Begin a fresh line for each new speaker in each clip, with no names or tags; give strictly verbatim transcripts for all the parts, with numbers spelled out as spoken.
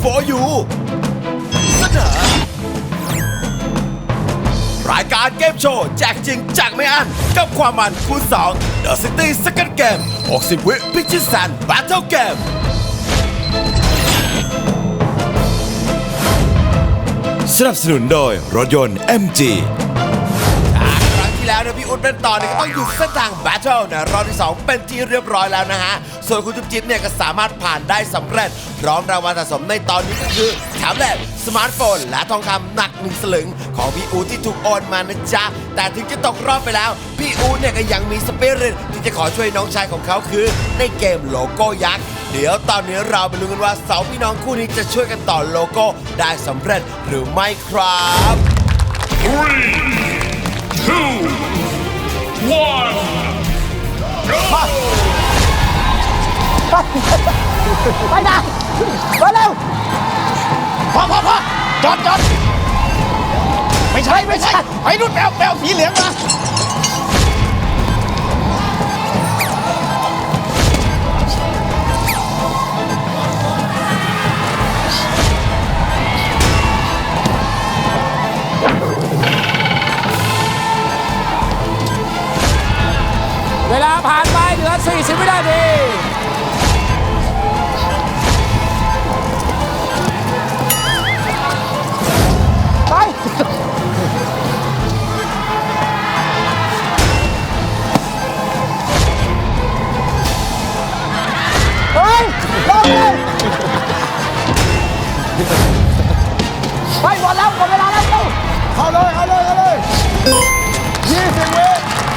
for you เสนอรายการเกมโชว์แจกจริงแจกไม่อั้นกับความมันคูณสอง The City Second Game หกสิบ วิพิชิตแสน Battle Game สนับสนุนโดยรถยนต์ เอ็ม จี แล้วนะพี่อุ๊ดเป็นต่อเนี่ยก็ต้องหยุดเส้นทางแบทเทิลนะรอบที่สองเป็นที่เรียบร้อยแล้วนะฮะส่วนคุณจุ๊บจิ๊บเนี่ยก็สามารถผ่านได้สำเร็จพร้อมรางวัลสะสมในตอนนี้ก็คือแท็บเล็ตสมาร์ทโฟนและทองคำหนักหนึ่งสลึงของพี่อุ๊ดที่ถูกโอนมานะจ๊ะแต่ถึงจะตกรอบไปแล้วพี่อุ๊ดเนี่ยก็ยังมีสปิริตที่จะขอช่วยน้องชายของเขาคือในเกมโลโก้ยักษ์เดี๋ยวตอนนี้เราไปลุ้นกันว่าสองพี่น้องคู่นี้จะช่วยกันต่อโลโก้ได้สำเร็จหรือไม่ครับ
One go
ไปนะไปเร็วพอพอพอจอดจอดไม่ใช่ไม่ใช่ไอ้นุ่นแปลวแปลวสีเหลืองมา
เวลาผ่านไปเหลือสี่สิบวินาที
ไปเฮ้ยลงเลยไปหมดแล้วหมดเวลาแล้วเข้าเลยเข้าเลยเข้าเลยยี่สิบวิ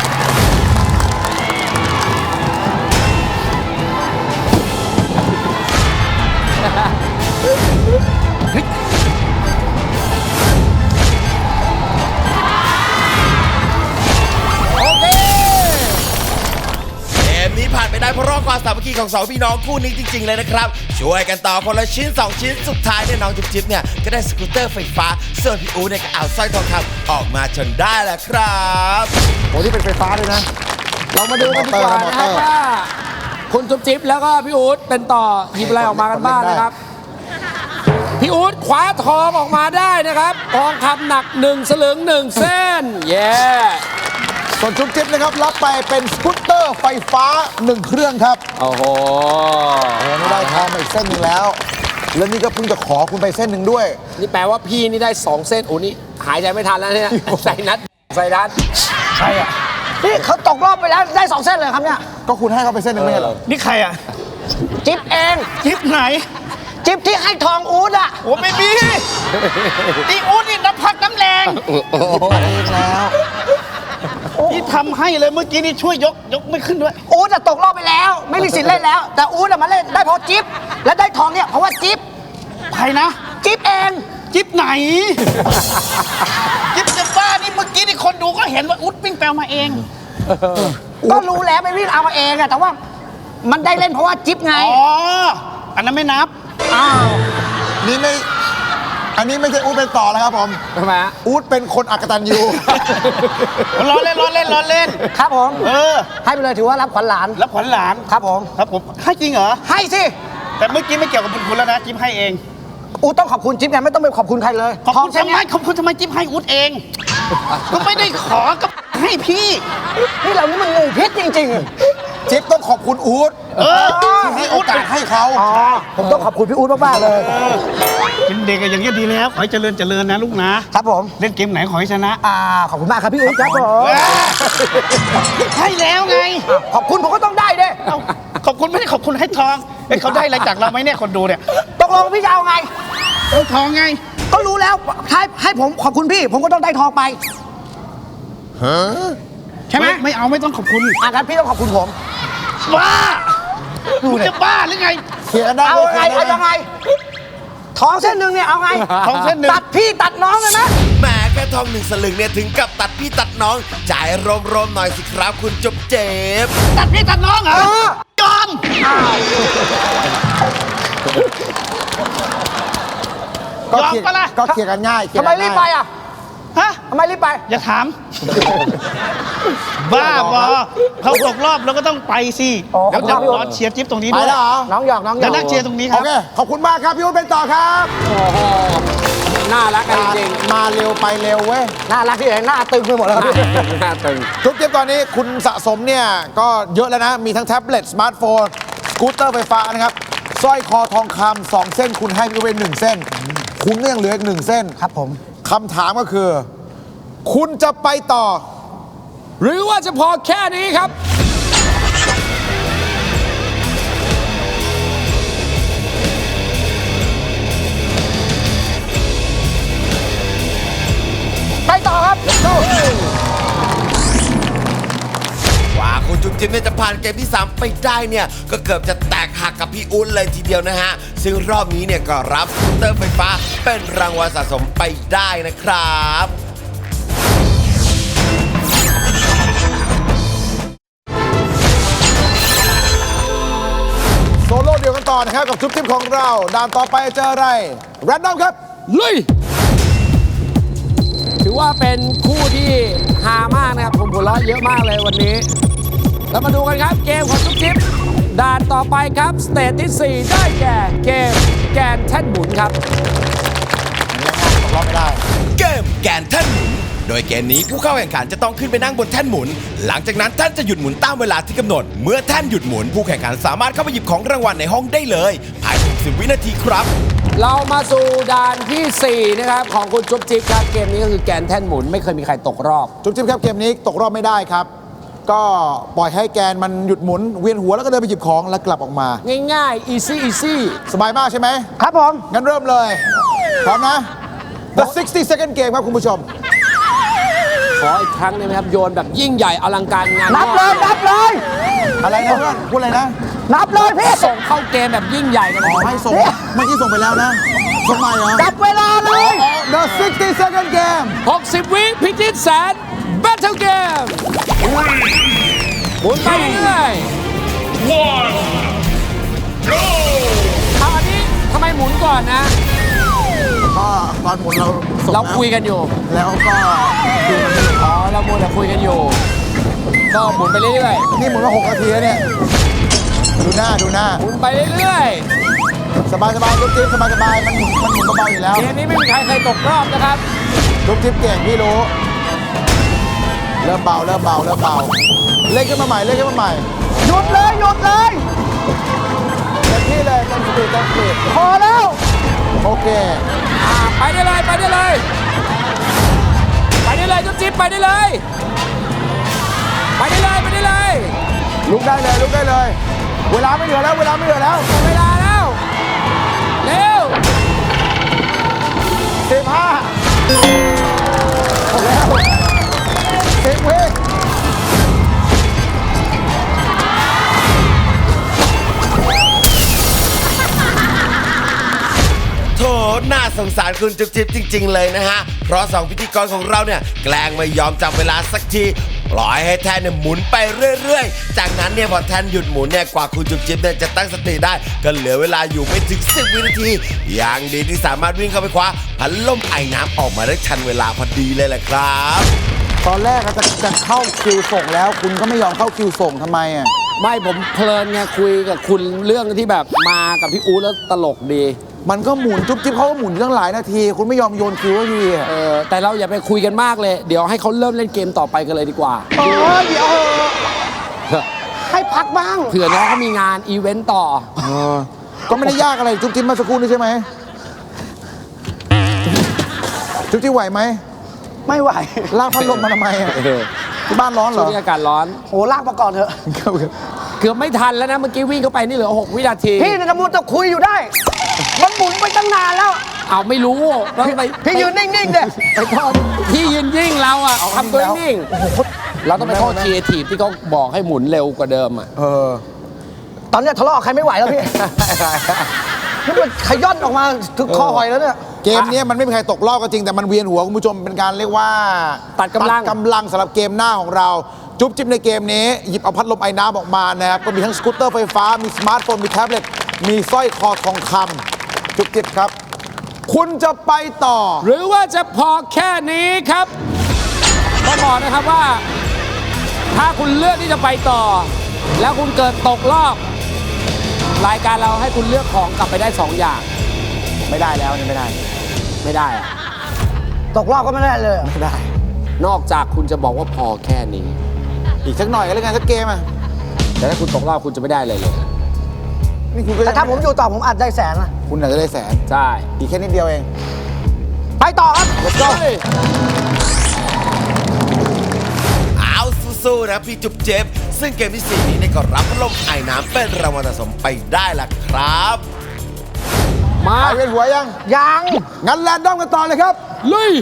ผ่านไปได้เพราะรอบความสามัคคีของสองพี่น้องคู่นี้จริงๆเลยนะครับช่วยกันต่อคนละชิ้นสองชิ้นสุดท้ายเนี่ยน้องจิ๊บจิ๊บเนี่ยก็ได้สกูตเตอร์ไฟฟ้าส่วนพี่อู๋เนี่ยก็เอาสร้อยทองคำออกมาจนได้แหละครับ
โอ้ที่เป็นไฟฟ้าด้วยนะ
เรามาดูกันดีกว่านะครับว่าคุณจุ๊บจิ๊บแล้วก็พี่อู๊ดเป็นต่อหยิบอะไรออกมากันบ้างนะครับพี่อู๊ดคว้าทองออกมาได้นะครับทองคำหนักหนึ่งสลึงหนึ่งเส้นเย้
ส่วนจุ๊บจิ๊บนะครับรับไปเป็นสกูตเตอร์ไฟฟ้าหนึ่งเครื่องครับ
โอ้โห
ไม่ได้ทองมาอีกเส้นหนึ่งแล้วแล้วนี่ก็เพิ่งจะขอคุณไปเส้นหนึ่งด้วย
นี่แปลว่าพี่นี่ได้สองเส้นโอ้นี่หายใจไม่ทันแล้วเนี่ยใส่นัดใส่นัด
ใช่อ่ะนี่เขาตกรอบไปแล้วได้สองเส้นเลยครับเนี่ยก็คุณให้เขาไปเส้นหนึ่งไม่ใช่เหรอ
นี่ใครอ่ะ
จิ๊บเอง
จิ๊บไหน
จิ๊บที่ให้ทองอู๊ดอ่ะ
โอ้ไม่มีนี่อู๊ดนี่น้ำพักน้ำแรง
เองแล้ว
ที่ทำให้เลยเมื่อกี้นี่ช่วยยกยกไม่ขึ้นด้วย
อู๊ดจะตกรอบไปแล้วไม่มีสิทธิ์เล่นแล้วแต่อู๊ดมาเล่นได้เพราะจิ๊บและได้ทองเนี่ยเพราะว่าจิ๊บ
ใครนะ
จิ๊บเอง
จิ๊บไหนจิ๊บจะบ้านี่เมื่อกี้นี่คนดูก็เห็นว่าอู๊ดวิ่งแปลมาเอง
ก็รู้แล้วไปวิ่งเอามาเองอะแต่ว่ามันได้เล่นเพราะว่าจิ๊บไง
อ๋ออันนั้นไม่นับ
อ้าว
นี่ไม่อันนี้ไม่ใช่อู๊ดเป็นต่อแล้วครับผม
ทำไมฮะ
อู๊ดเป็นคนอักตันยู
ล้อเล่นล้อเล่นล้อเล่น
ครับผม
เออ
ให้ไปเลยถือว่ารับขวัญหลาน
รับขวัญหลาน
ครับผม
ครับผมให้จริงเหรอ
ให้สิ
แต่เมื่อกี้ไม่เกี่ยวกับคุณแล้วนะจิ๊บให้เอง
อู๊ดต้องขอบคุณจิ๊บไงไม่ต้องไปขอบคุณใครเลย
ขอบคุณทำไมขอบคุณทำไมจิ๊บให้อู๊ดเองก็ไม่ได้ขอกับให้พี่
นี่เรานี่มันงูพิษจริง
ๆจิ๊บต้องขอบคุณอู๊ด
เออ
ที่ให้โอกาสให้เขา
ผมต้องขอบคุณพี่อู๊ดมากๆเลย
เป็นเด็กอย่างนี้ดีแล้วขอให้เจริญเจริญนะลูกนะครับ
ผม
เล่นเกมไหนขอให้ชนะ
อ่าขอบคุณมากครับพี่อู๊ดครับผม
ใช่แล้วไง
ขอบคุณผมก็ต้องได้ด้วย
ขอบคุณไม่ได้ขอบคุณให้ทองเขาได้อะไรจากเราไหมเนี่ยคนดูเนี่ย
ตกลงพี่จะเอาไง
เอาทองไง
ก็รู้แล้วให้ให้ผมขอบคุณพี่ผมก็ต้องได้ทองไป
ฮะ
ใช่ไหมไม่เอาไม่ต้องขอบคุณ
อ่ะงั้นพี่ต้องขอบคุณผม
บ้าคุณจะบ้าหรือไง
เขียนได้
เอาไงเอายังไงทองเส้นหนึ่งเนี่ยเอาไง
ทองเส้นหนึ่ง
ตัดพี่ตัดน้องเลยนะ
แหมแค่ทองหนึ่งสลึงเนี่ยถึงกับตัดพี่ตัดน้องจ่ายรวมๆหน่อยสิครับคุณจุ๊บเจ็บ
ตัดพี่ตัดน้องเหรอยอมยอมปะล่ะ
ก็เคลียร์กันง่าย
ทำไมรีบไปอ่ะ
ฮฮะ
ทำไมรีบไป
อย่าถาม บ้าบอเขาตกรอบแล้วก็ต้องไปสิ
อ๋อ
เดี๋ยวจะ
ขอบคุณ
รอเชียร์จิ๊บตรงนี้
ไป
ด้วย
แล้วเหรอ
น้องหยอกน้องหย
แล้
อ
ว
ก
นั่งเชียร์ตรงนี้ค
โอ
รับ
เค ขอบคุณมากครับพี่อุ้นเป็นต่อครับ
โอ้โหน่ารักกันจริง
มาเร็วไปเร็วเว้ย
น่ารักที่ไหนหน้าตึงไปหมดแล้วครับพี่
ๆน่าตึง
ทุกเกมตอนนี้คุณสะสมเนี่ย ก็เยอะแล้วนะ มีทั้งแท็บเล็ตสมาร์ทโฟนสกูตเตอร์ไฟฟ้านะครับสร้อยคอทองคำสองเส้นคุณให้พี่อุ้นหนึ่งเส้น คุณก็ยังเหลืออีกหนึ่งเส้น
ครับผม
คำถามก็คือ คุณจะไปต่อ
หรือว่าจะพอแค่นี้ครับ
ไปต่อครับ
กว่าคุณจุ๊บจิ๊บเนี่ยจะผ่านเกมที่ สาม ไปได้เนี่ย ก็เกือบจะแตกหักกับพี่อุ้นเลยทีเดียวนะฮะ ซึ่งรอบนี้เนี่ยก็รับสกูตเตอร์ไฟฟ้าเป็นรางวัลสะสมไปได้นะครับ
โซโล่เดียวกันต่อนะครับ กับจุ๊บจิ๊บของเรา ด่านต่อไปเจออะไรแรนดอมครับ
ลุย ถือว่าเป็นคู่ที่ฮามากนะครับ ผมหัวเราะเยอะมากเลยวันนี้ แล้วมาดูกันครับเกมของทุกทิปด่านต่อไปครับ สเตจที่ สี่ ได้แก่เกมแกนแท่นหมุนครับ
ตกรอบไม่ได้
เกมแกนแท่นหมุน โดยเกมนี้ผู้เข้าแข่งขันจะต้องขึ้นไปนั่งบนแท่นหมุน หลังจากนั้นท่านจะหยุดหมุนตามเวลาที่กำหนด เมื่อแท่นหยุดหมุน ผู้แข่งขันสามารถเข้าไปหยิบของรางวัลในห้องได้เลย ภายในหกสิบวินาทีครับ
เรามาสู่ด่านที่ สี่ นะครับ ของคุณจุ๊บจิ๊บครับ เกมนี้ก็คือแกนแท่นหมุนไม่เคยมีใครตกรอบ
จุ๊บจิ๊บครับเกมนี้ตกรอบไม่ได้ครับ ก็ปล่อยให้แกนมันหยุดหมุน เวียนหัวแล้วก็เดินไปหยิบของแล้วกลับออกมา
ง่ายๆ easy easy
สบายมากใช่ไหม
ครับผม
งั้นเริ่มเลย พร้อมนะ The sixty second game ครับคุณผู้ชม
ขออีกครั้งได้ไหมครับ โยนแบบยิ่งใหญ่อลังการงาน
นับเลย นับเลย
อะไรนะเพื่อนพูดอะไรนะ
นับเลยพี่
ส่งเข้าเกมแบบยิ่งใหญ่กัน
อ๋อให้ส่งเมื่อกี้ส่งไปแล้วนะส่งใหม่เหรอ
จับเวลาเลย
The sixty second game
หกสิบ วิพิจิตแสน Battle Game หมุนไปเรื่อย
one, go!
ๆเอาอันนี้ทำไมหมุนก่อนนะ
ก็ตอนหมุนเราส่ง
เรา
แล้ว
คุยกันอยู่
แล้วก็ดูมันไม่
อ๋อ เราโมวแต่คุยกันอยู่ ก็หมุนไปเรื่อย
นี่หมุนมาหกนาทีแล้วเนี่ย ดูหน้าดูหน้า
ๆ หมุนไปเรื่อย
สบายสบายลูกจิ๊บสบายสบายมันหมุนมันหมุนเบาๆอยู่แล้ว
ๆ เกมนี้ไม่มีใครเคยตกรอบนะครับ
ลูกจิ๊บเก่งพี่รู้ เริ่มเบาเริ่มเบาเริ่มเบาเล่นขึ้นมาใหม่เล่นขึ้นมาใหม่
หยุดเลย หยุดเลย
เต็มที่เลยเต็มสปีดเต็มสปีด
พอแล้ว
โอเค
อ่าไปได้เลย ไปได้เลย ไปได้เลยจุ๊บจิ๊บไปได้เลย ไปได้เลย ไปได้เลย
ลุกได้เลยลุกได้เลย เวลาไม่เหลือแล้วเวลาไม่เหลือแล้ว
หมดเวลาแล้ว เร็ว
สิบห้าหมดแล้วสิบวิ
โถน่าสงสารคุณจุ๊บจิ๊บจริง ๆ เลยนะฮะ เพราะสองพิธีกรของเราเนี่ยแกล้งไม่ยอมจับเวลาสักที ปล่อยให้แท่นเนี่ยหมุนไปเรื่อย ๆ จากนั้นเนี่ยพอแท่นหยุดหมุนเนี่ยกว่าคุณจุ๊บจิ๊บเนี่ยจะตั้งสติได้ ก็เหลือเวลาอยู่ไม่ถึงสิบวินาที อย่างดีที่สามารถวิ่งเข้าไปคว้าพัดลมไอ้น้ำออกมาได้ทันเวลาพอดีเลยแหละครับ
ตอนแรกอะจะจะเข้าคิวส่งแล้ว คุณก็ไม่ยอมเข้าคิวส่งทำไมอ่ะ
ไม่ผมเพลินไงคุยกับคุณเรื่องที่แบบมากับพี่อู๊ดแล้วตลกดี
มันก็หมุนจุ๊บจิ๊บเขาก็หมุนอยู่ตั้งหลายนาที คุณไม่ยอมโยนคิวให้ทีอะ
เออแต่เราอย่าไปคุยกันมากเลย เดี๋ยวให้เขาเริ่มเล่นเกมต่อไปกันเลยดีกว่า
เออเดี๋ยวเถอะให้พักบ้าง
เผื่อน้องเขามีงานอีเวนต์ต่อ
ก็ไม่ได้ยากอะไรจุ๊บจิ๊บมาสักครู่นี้ใช่ไหมจุ๊บจิ๊บไหวไหม
ไม่ไหว
ลากพัดลมมาทำไมอะที่บ้านร้อนเหร
ช่ว
อ
งนี้อากาศร้อน
โหลากมาก่อนเถอะ
เกือบไม่ทันแล้วนะ เมื่อกี้วิ่งเข้าไปนี่เหลือหกวินาที
พี่เนี่ยกำลังจะคุยอยู่ได้ มันหมุนไปตั้งนานแล้ว
เอาไม่รู้แล้วไป
พี่ยืนนิ่งๆเด้
ไปโทษพี่ยืนยิ่งเราอ่ะทำตัวนิ่งเราต้องไปโทษครีเอทีฟที่เขาบอกให้หมุนเร็วกว่าเดิมอ่ะ
เออ
ตอนเนี้ยทะเลาะกับใครไม่ไหวแล้วพี่ นี่มันขย่อนออกมาถึงคอหอยแล้วเนี่ย
เกมเนี้ยมันไม่มีใครตกรอบก็จริงแต่มันเวียนหัวคุณผู้ชมเป็นการเรียกว่า
ตัดกำลัง
กำลังสำหรับเกมหน้าของเรา จุ๊บจิ๊บในเกมนี้หยิบเอาพัดลมไอ้น้ำออกมานะครับก็มีทั้งสกูตเตอร์ไฟฟ้ามีสมาร์ทโฟนมีแท็บเล็ตมีสร้อยคอทองคำจุ๊บจิ๊บครับคุณจะไปต่อ
หรือว่าจะพอแค่นี้ครับต้องบอกนะครับว่า ถ้าคุณเลือกที่จะไปต่อ แล้วคุณเกิดตกรอบ รายการเราให้คุณเลือกของกลับไปได้สองอย่าง
ไม่ได้แล้วนี่ไม่ได้
ไม่ได้อะ
ตกรอบก็ไม่ได้เลยเหรอ
ไม่ได้
นอกจากคุณจะบอกว่าพอแค่นี้
อีกสักหน่อยก็แล้วกันสักเกมอ่ะ
แต่ถ้าคุณตกรอบคุณจะไม่ได้เลยเลย
นี่คุณก็
แต่ถ้าผมอยู่ต่อผมอาจได้แสนนะ
คุณอาจจะได้แสน
ใช่
อีกแค่นิดเดียวเอง
ไปต่อครับ
let's go
เอาสู้ๆนะพี่จุ๊บเจ็บซึ่งเกมที่สี่นี้เนี่ยก็รับพัดลมไอ้น้ำเป็นรางวัลสะสมไปได้ล่ะครับ
มา
ไปเวียนหัวยัง
ยัง
งั้นแรนดอมกันต่อเลยครับ
ลุย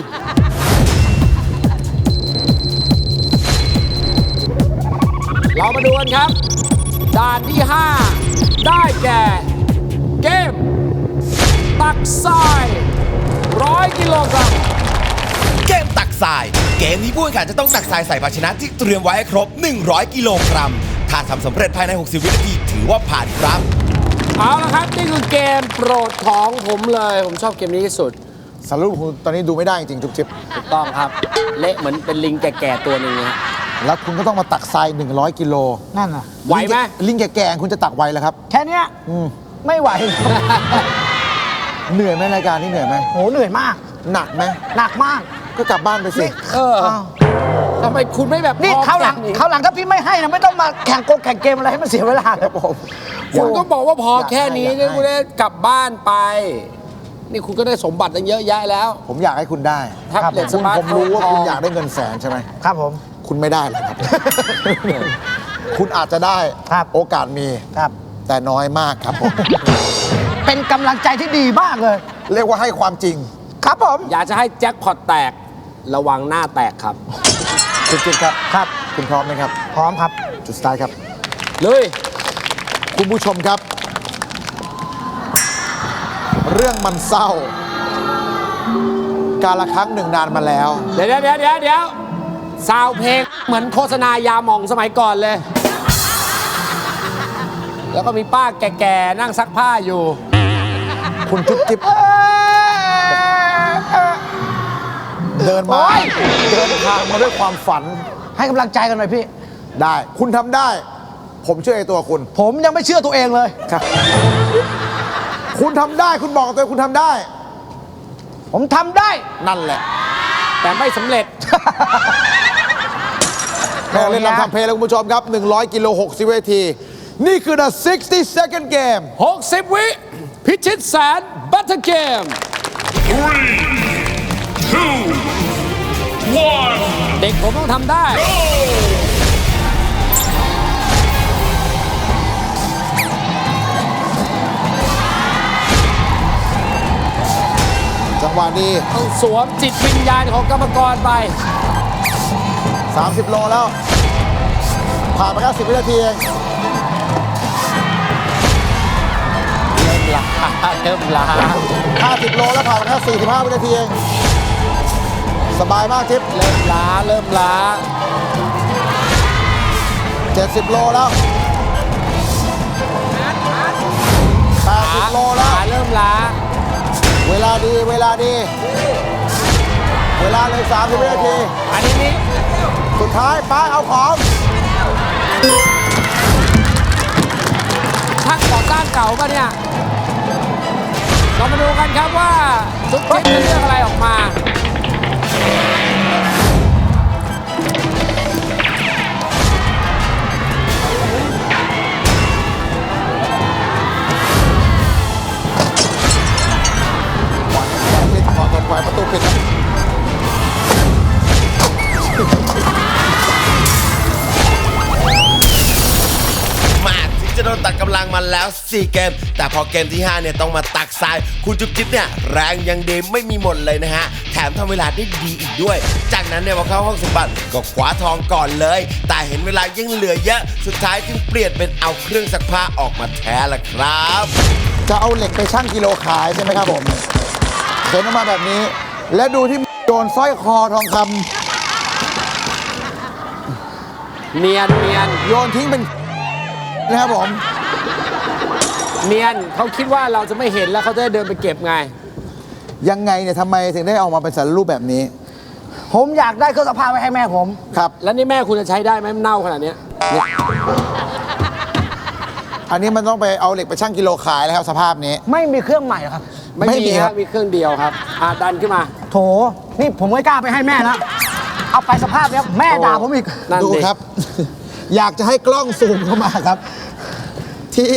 เรามาดูกันครับ ด่านที่ ห้า ได้แก่ เกม ตักทรายร้อยกิโลกรัม
เกมตักทราย เกมนี้ผู้แข่งขันจะต้องตักทรายใส่ภาชนะที่เตรียมไว้ให้ครบ หนึ่งร้อย กิโลกรัม ถ้าทำสำเร็จภายใน หกสิบ วินาทีถือว่าผ่านครับ
เอาละครับ นี่คือเกมโปรดของผมเลย ผมชอบเกมนี้ที่สุด
สรุปคุณตอนนี้ดูไม่ได้จริงๆจุ๊บจิ๊บ
ถูกต้องครับ เละเหมือนเป็นลิงแก่ๆตัวหนึ่งนะ
แล้วคุณก็ต้องมาตักทรายหนึ่งร้อยกิโล
นั่นน่ะ
ไหวไหม
ลิงแก่ๆคุณจะตักไหวแล้วครับ
แค่เนี้ย
อืม
ไม่ไหว
เหนื่อยไหมรายการนี้เหนื่อยไหม
โหเหนื่อยมาก
หนักไหม
หนักมาก
ก็กลับบ้านไปสิ
เออทำไมคุณไม่แบบ
นี่
พอ
คราวหลัง
แค่นี้
คราวหลังถ้าพี่ไม่ให้นะไม่ต้องมาแข่งโกงแข่งเกมอะไรให้มันเสียเวลาเลยผม
คุณก็บอกว่าพอแค่นี้
อยากให้
เนี่ยคุณได้กลับบ้านไป นี่คุณก็ได้สมบัติตั้งเยอะแยะแล้ว
ผมอยากให้คุณได้
แท็บเล็ต
คุณ
สมาร์ท
ผม
โฟน
รู้ว่าคุณ
ทอง
อยากได้เงินแสนใช่ไหม
ครับผม
คุณไม่ได้หรอกครับ คุณอาจจะได้
ครับ
โอกาสมี
ครับ
แต่น้อยมากครับผม
เป็นกำลังใจที่ดีมากเลย
เรียกว่าให้ความจริง
ครับผม
อยากจะให้แจ็คพอตแตก ระวังหน้าแตกครับ
คุณจิ๊บครับ
ครับ
คุณพร้อมไหมครับ
พร้อมครับ
จุดสตาร์ทครับ
เลย
คุณผู้ชมครับ เรื่องมันเศร้า การละครั้งหนึ่งนานมาแล้ว
เดี๋ยวเดี๋ยวเดี๋ยวเดี๋ยวเดี๋ยวซาวเพลงเหมือนโฆษณายาหม่องสมัยก่อนเลย แล้วก็มีป้าแก่ๆ นั่งซักผ้าอยู่
คุณจุ๊บจิ๊บเดินมา
โอ๊ย
เดินทางมาด้วยความฝัน
ให้กำลังใจกันหน่อยพี่
ได้ คุณทำได้ ผมเชื่อในตัวคุณ
ผมยังไม่เชื่อตัวเองเลย
ครับ คุณทำได้ คุณบอกกับตัวเองคุณทำได้
ผมทำได้
นั่นแหละ
แต่ไม่สำเร็จ
แม่เล่นลำทำเพลงแล้วคุณผู้ชมครับ หนึ่งร้อย กิโล หกสิบ วินาที นี่คือ the sixty second game
หกสิบ วิ พิชิตแสนบัตเตอร์เกม
Three, two, one,
เด็กผมต้องทำได้
go!
จังหวะนี้
ต้องสวมจิตวิญญาณของกรรมกรไป
สามสิบ โลแล้ว ผ่านไปแค่สิบ วินาทีเอง
เริ่มลาเริ่มลา
ห้าสิบ โลแล้วผ่านไปแค่สี่สิบห้า วินาทีเอง สบายมากทิป
เริ่มล้าเริ่มล้า
เจ็ดสิบ โลแล้วแปดสิบ โลแล้ว
ขาเริ่มล้า
เวลาดี เวลาดี เวลาเลยสามสิบ วินาที
อันนี้นี่
สุดท้ายป้าเอาของ
ช่างก่อสร้างเก่าป่ะเนี่ย เรามาดูกันครับว่าจุ๊บจิ๊บจะเลือกอะไรออกมา
ปิดขอตดไฟประตูปิดนะ
มาถึงจะโดนตัดกำลังมาแล้ว สี่ เกม แต่พอเกมที่ ห้า เนี่ยต้องมาตักทราย คุณจุ๊บจิ๊บเนี่ยแรงยังดีไม่มีหมดเลยนะฮะ แถมทำเวลาได้ดีอีกด้วย จากนั้นเนี่ยพอเข้าห้องสมบัติก็คว้าทองก่อนเลย แต่เห็นเวลายังเหลือเยอะ สุดท้ายจึงเปลี่ยนเป็นเอาเครื่องซักผ้าออกมาแทนละครับ
จะเอาเหล็กไปชั่งกิโลขายใช่ไหมครับผมเข็นออกมาแบบนี้ และดูที่โดนสร้อยคอทองค
เนียนเนียน
ำโยนทิ้งเป็นนะครับผม
เนียนเขาคิดว่าเราจะไม่เห็นแล้วเขาจะได้เดินไปเก็บไง
ยังไงเนี่ยทำไมถึงได้ออกมาเป็นสารรูปแบบนี้
ผมอยากได้เครื่องซักผ้าไว้ให้แม่ผม
ครับ
แล้วนี่แม่คุณจะใช้ได้ไหมมันเน่าขนาดเนี้ยเนี่ย
อันนี้มันต้องไปเอาเหล็กไปชั่งกิโลขายแล้วครับสภาพนี้
ไม่มีเครื่องใหม่เหรอครับ
ไม่
ไม่มี
มี
ค
ค
รั
รับ บมีเครื่องเดียวครับอ่าดันขึ้นมา
โถ นี่ผมไม่กล้าไปให้แม่แล้วเอาไปสภาพเนี้ยแม่ด่าผมอีก
นั่น
ดู
ดิ
ครับ อยากจะให้กล้องซูมเข้ามาครับ ที่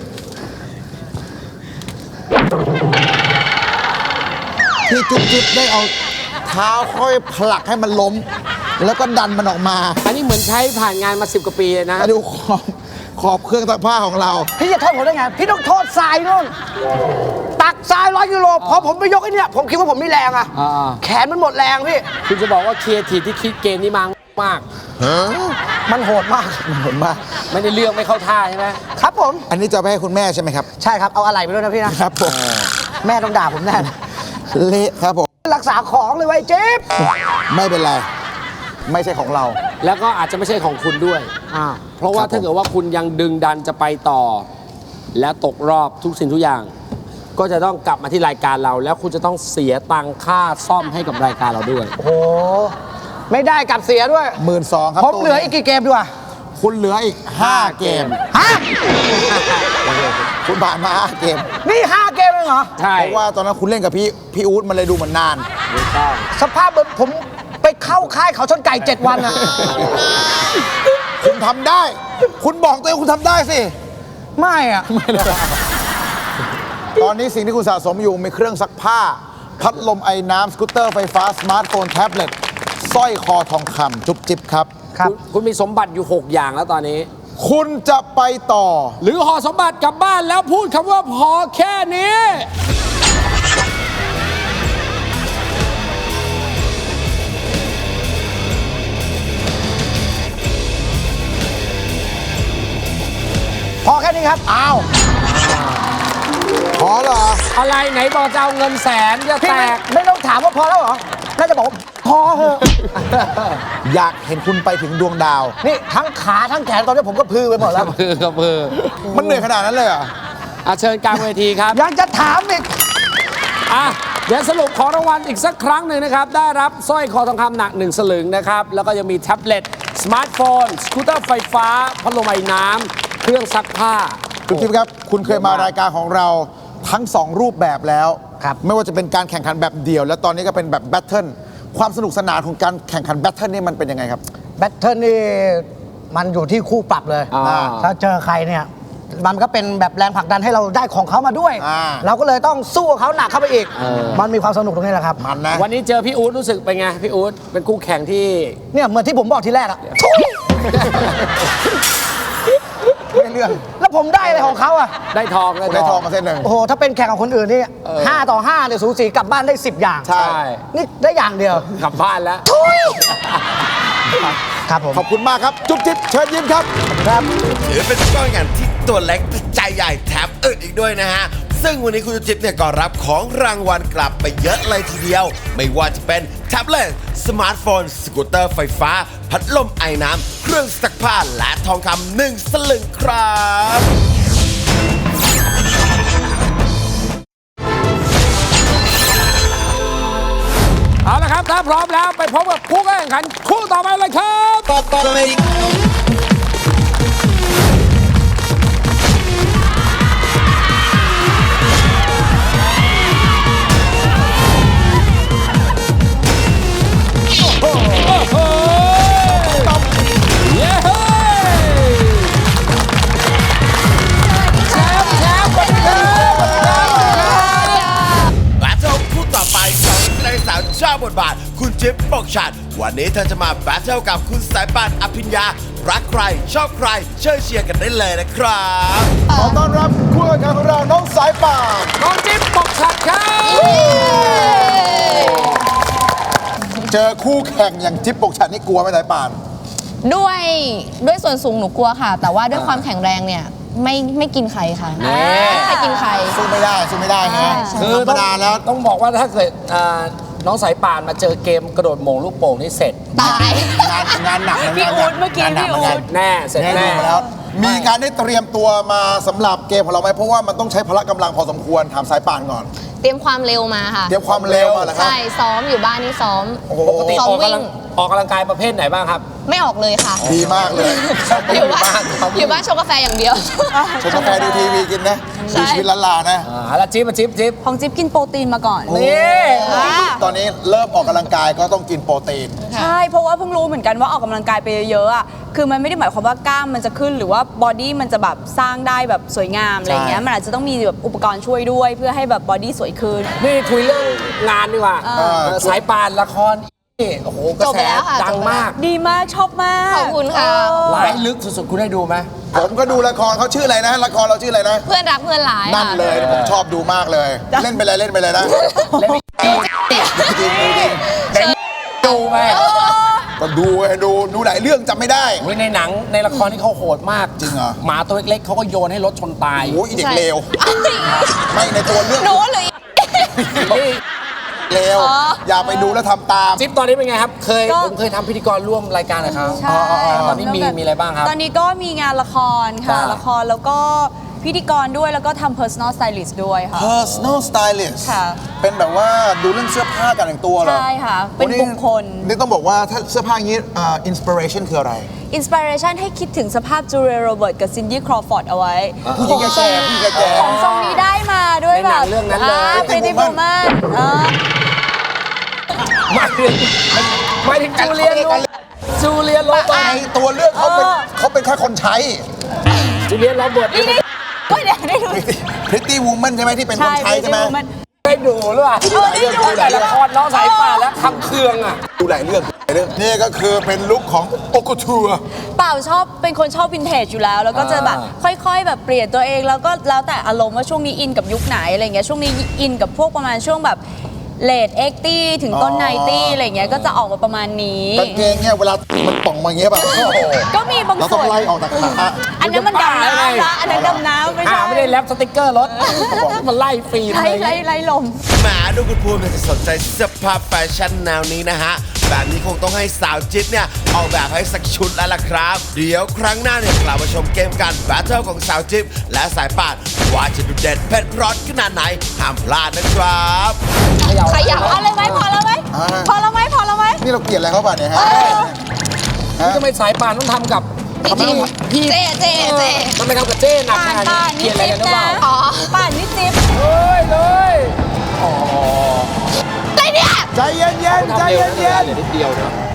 ที่จุ๊บจิ๊บได้เอาเท้าค่อยผลักให้มันล้ม แล้วก็ดันมันออกมา
อันนี้เหมือนใช้ผ่านงานมาสิบกว่าปีเลยนะ
มาดูขอบขอบเครื่องซักผ้าของเรา
พี่จะโทษผมได้ไง พี่ต้องโทษทรายนู่น ตักทรายร้อยกิโลพอผมไปยกไอ้เนี่ยผมคิดว่าผมมีแรงอะ
อ่า
แขนมันหมดแรงพี่
คุณจะบอกว่าครีเอทีฟที่คิดเกมนี้มังมาก
มันโหดมาก
เห็นปะ
ไม่ได้เรื่องไม่เข้าท่าใช่ไหม
ครับผม
อันนี้จะไปให้คุณแม่ใช่ไหมครับ
ใช่ครับ เอาอะไรไปด้วยนะพี่นะ
ครับผม
แม่ต้องด่าผมแน่นะ
เละครับผม
รักษาของเลยไว้ยเจ๊บ
ไม่เป็นไร ไม่ใช่ของเรา
แล้วก็อาจจะไม่ใช่ของคุณด้วย
อ่า
เพราะว่า
ครับผม
ถ้าเกิดว่าคุณยังดึงดันจะไปต่อ และตกรอบทุกสิ่งทุกอย่าง ก็จะต้องกลับมาที่รายการเรา แล้วคุณจะต้องเสียตังค่าซ่อมให้กับรายการเราด้วย
โอ้โห ไม่ได้กลับเสียด้วย
หมื่นสองครับ
ผม
ตู้
เหลืออีกกี่เกมดีกว่า
คุณเหลืออีกห้าเกม
ฮะ
คุณผ่านมาห้าเกม
นี่ห้าเกมเองเหรอ
ใช่
เพราะว่าตอนนั้นคุณเล่นกับพี่พี่อู๊ดมันเลยดูเหมือนนาน
ถูกต้อง
สภาพเหมือนผมไปเข้าค่ายเขาชนไก่เจ็ดวันอะ
คุณทำได้ คุณบอกตัวเองคุณทำได้สิ
ไม่อะ
ตอนนี้สิ่งที่คุณสะสมอยู่มีเครื่องซักผ้า พัดลมไอ้น้ำสกูตเตอร์ไฟฟ้า สมาร์ทโฟน แท็บเล็ตสร้อยคอทองคำจุ๊บจิ๊บครับ
ครับ
คุณคุณมีสมบัติอยู่ หก อย่างแล้วตอนนี้
คุณจะไปต่อ
หรือห่อสมบัติกลับบ้านแล้วพูดคำว่าพอแค่นี้
พอแค่นี้ครับ อ้าว
พอเหรอ
อะไรไหนบอกจะเอาเงินแสนจะ
พี่
แต
ไม่
ก
ไม่ต้องถามว่าพอแล้วเหรอ น่าจะบอกว่าพอเหอะ
อยากเห็นคุณไปถึงดวงดาว
นี่ทั้งขาทั้งแขนตอนนี้ผมก็พือไปหมดแล้ว
มือกับมือ
มันเหนื่อยขนาดนั้นเลยเหรอ
อ่ะเชิญกลางเวทีครับ
ยังจะถามอีก
อ่ะเดี๋ยวสรุปของรางวัลอีกสักครั้งหนึ่งนะครับ ได้รับสร้อยคอทองคำหนักหนึ่งสลึงนะครับ แล้วก็ยังมีแท็บเล็ต สมาร์ทโฟน สกูตเตอร์ไฟฟ้า พัดลมไอ้น้ำ เครื่องซักผ้า
คุณทิพย์ครับ คุณเคยมารายการของเราทั้งสองรูปแบบแล้ว
ครับ
ไม่ว่าจะเป็นการแข่งขันแบบเดี่ยว และตอนนี้ก็เป็นแบบแบทเทิลความสนุกสนานของการแข่งขันแบทเทิลนี่มันเป็นยังไงครับ
แบทเทิลนี่มันอยู่ที่คู่ปรับเลย
อ่า
ถ้าเจอใครเนี่ย มันก็เป็นแบบแรงผลักดันให้เราได้ของเขามาด้วย
อ่า
เราก็เลยต้องสู้กับเขาหนักเข้าไปอีก มันมีความสนุกตรงนี้แหละครับ
มันนะ
วันนี้เจอพี่อู๊ดรู้สึกเป็นไง พี่อู๊ดเป็นคู่แข่งที่
เนี่ยเหมือนที่ผมบอกทีแรกอะทุย
ไม่เรื่อง
แล้วผมได้อะไรของเขาอะ
ได้ทอง
คุณได้ทองมาเส้นหนึ่ง
โอ้โห ถ้าเป็นแข่งกับคนอื่นนี่ห้าต่อห้าเนี่ยสูสีกลับบ้านได้สิบอย่าง
ใช่
ใช่
นี่ได้อย่างเดียว
กลับบ้านแล้ว
ทุยครับผม
ขอบคุณมากครับ จุ๊บจิ๊บเชิญยิ้มครับ
ครับ
ถือเป็นก้อนงานที่ตัวเล็กแต่ใจใหญ่แถมอึดอีกด้วยนะฮะ ซึ่งวันนี้คุณจิ๊บเนี่ยก็รับของรางวัลกลับไปเยอะเลยทีเดียว ไม่ว่าจะเป็นแท็บเล็ต สมาร์ทโฟน สกูตเตอร์ไฟฟ้า พัดลมไอ้น้ำ เครื่องซักผ้า และทองคำหนึ่งสลึงครับ
เอาละครับ ถ้าพร้อมแล้วไปพบกับผู้แข่งขันคู่ต่อไปเลยครับ โอ้โหเย้เฮ้ยแชมป์แชมป์คนเดิม
แบทเทิลคู่ต่อไปของนักแสดงสาวเจ้าบทบาท คุณจิ๊บปกฉัดวันนี้เธอจะมาแบทเทิลกับคุณสายป่านอภิญญา รักใคร ชอบใคร เชิญเชียร์กันได้เลยนะครับ
ขอต้อนรับคู่แข่งขันของเราน้องสายป่าน
น้องจิ๊บปกฉัดครับ
เจอคู่แข่งอย่างจิ๊บปกฉัดนี่กลัวไหมสายป่าน
ด้วยด้วยส่วนสูงหนูกลัวค่ะ แต่ว่าด้วยความแข็งแรงเนี่ยไม่ไม่กินใครค่ะไม่ใครกินใคร
สู้ไม่ได้สู้ไม่ได้นะ
ใช่
ธรรมดาแล้ว
ต้องบอกว่าถ้าเกิดอ่าน้องสายป่านมาเจอเกมกระโดดโหม่งลูกโป่งนี่เสร็จ
ตาย
งานงานหนักนะ
พี่
งานห
อู๊
นั
ดเมื่อกี้
งานหนั
พี่
เหมื
อู๊
น
ด
กัน
แน่เสร็จ
ได้ดู
แน่
มาแล้ว มีการได้เตรียมตัวมาสำหรับเกมของเราไหมเพราะว่ามันต้องใช้พละกำลังพอสมควรถามสายป่านก่อน
เตรียมความเร็วมาค่ะ
เตรียมความเร็วมาเหรอครับ
ใช่ซ้อมอยู่บ้านนี่ซ้อม
โอ้โห
ปกติ
ซ้อม
ออก
วิ่
กำลั
ง
งออกกำลังกายประเภทไหนบ้างครับ
ไม่ออกเลยค่ะ
ดีมากเลย
อยู่บ้านอยู่บ้านชงกาแฟอย่างเดียว
ชมกาแฟดูทีวีกินนะ
ใช่
ดูชีวิตล้านลานะ
อ่าแล้วจิ๊บมาจิ๊บจิ๊บ
ของจิ๊บกินโปรตีนมาก่อน
นี่
ตอนนี้เริ่มออกกำลังกายก็ต้องกินโปรตีน
ใช่ เพราะว่าเพิ่งรู้เหมือนกันว่าออกกำลังกายไปเยอะๆอ่ะ คือมันไม่ได้หมายความว่ากล้ามมันจะขึ้นหรือว่าบอดี้มันจะแบบสร้างได้แบบสวยงามอะไรเงี้ย
ใช่
มันอาจจะต้องมีแบบอุปกรณ์ช่วยด้วยเพื่อให้แบบบอดี้สวยขึ้น
นี่คุยเรื่องงานดีกว่า
เออ
เออสายป่านละครนี่โอ้โหกระ
จบ
แส
แล้วค่ะ
ดังมาก
ดีมากชอบมาก
ขอบคุณค่ะ
เออ
ร้ายลึกสุดๆ คุณได้ดูไหม
ผมก็ดูละครเขาชื่ออะไรนะ ละครเราชื่ออะไรนะ
เพื่อนรักเพื่อนร้าย
นั่น
ค่ะ
เลยผมชอบดูมากเลย เล่นไปเลยเล่นไปเลยนะ
เล่น
จริงจริงจริง
ดูไหม
ก็ดูไงดูดูหลายเรื่องจำไม่ได้
โอ้ยในหนังในละครที่เขาโหดมาก
จริงเหรอ
หมาตัวเล็กๆเขาก็โยนให้รถชนตาย
โอ้ยอีเด็ก
ใช่
เลว ไม่ในตัวเรื่อง
หนูหรือ
นี่
เลวอย่าไปดูแล้วทำตาม
จิ๊บตอนนี้เป็นไงครับ เคย
ก็
ผมเคยทำพิธีกรร่วมรายการกับเขา
ใช่
ตอนนี้มีมีอะไรบ้างครับ
ตอนนี้ก็มีงานละครค่ะ
จ้ะ
ละครแล้วก็พิธีกรด้วยแล้วก็ทำ personal stylist ด้วยค่ะ
personal stylist
ค่ะ
เป็นแบบว่าดูเรื่องเสื้อผ้าการแต่งตัวเหรอ
ใช่ค่ะ เป็นบุคคล
นี่ต้องบอกว่าถ้าเสื้อผ้าอย่างนี้อินสปิเรชันคืออะไร
อินสปิเรชันให้คิดถึงสภาพจูเลียโรเบิร์ตกับซินดี้ครอฟอร์ดเอาไว้
ผู้หญิงแก่ๆผู้หญิงแก่
ของทรงนี้ได้มาด้วย
ในห
แบ
นัง
บ
เรื่องนั้นเลย
พริตตี้
Pretty
บู
Woman
แมนอ่า
หมายถึงหมายถึงจูเลียนจูเลียนโรเบิ
ๆ
ร์ต
ในตัวเรื่องเขาเป็นเขาเป็นแค่คนใช้
จูเลียนโรเบิร์ต
นี่นี่ก็เดี๋ยวได้ดู
Pretty Woman ใช่ไหมที่เป็นคนใช้ใช่ไหม
มัน
ได้ดูหรือเปล่า
ดูหลายเรื่องดูห
แต่
ลายเรื่
ละ
อง
ครน้องสายป่านแล้วทำเครื่องอ่ะ
ดูหลายเรื่องหลายเรื่องนี่ก็คือเป็นลุคของโอโกทัว
เปล่าชอบเป็นคนชอบวินเทจอยู่แล้ว แล้วก็จะแบบค่อยๆ แบบเปลี่ยนตัวเองแล้วก็แล้วแต่อารมณ์ว่าช่วงนี้อินกับยุคไหนอะไรเงี้ยช่วงนี้อินกับพวกประมาณช่วงแบบเลดเอ็กตี้ถึงต้นไนตี้อะไรเงี้ยก็จะออกมาประมาณนี้
กางเกงเนี่ยเวลามันป่องมาอย่างเงี้ยป่ะโอ้โห
ก็มีบาง
เราต้
ส่
อง
วน
ไล่ออกจากขา
อันนั้นมันดำน้ำนะอันนั้นดำน้ำไม่
อ่า
ใช่
ไม่ได้แรปสติกเกอร์รถมันไล่ฟิล์ม
ไล่
เลย
ไล่ไล่ลม
แหมดูคุณภูมิเนี่ยจะสนใจเสื้อผ้าแฟชั่นแนวนี้นะฮะ แบบนี้คงต้องให้สาวจิ๊บเนี่ยออกแบบให้สักชุดแล้วล่ะครับ เดี๋ยวครั้งหน้าเนี่ยกลับมาชมเกมการแบทเทิลของสาวจิ๊บและสายป่านว่าจะดูเด็ดเผ็ดร้อนขนาดไหนห้ามพลาดนะครับ
ขยับ
เอาเลยไหมพอแล้วไหมพอแล้วไหมพอแล้วไหม
นี่เราเกลียดอะไรเขาป่ะเนี่ยฮะ
นี่ทำไมสายป่านต้องทำกับ
พี่จิ๊บเจเจเจ
ทำไมทำกับเจ้หนัก
ป่า
ข
น
นาด
ป่า
นี้
น
เกลี
นี่
ยดอะไร
จิ๊บ
กันหรือเป
นะ
ล่า
อ๋อ
ป่านนี่จิ๊บ
เฮ้ยเลย
อะไรเนี่ย
ใจเย็นๆใจเย็นๆ
ทำเร็วนะเหลือนิดเดียวเนาะ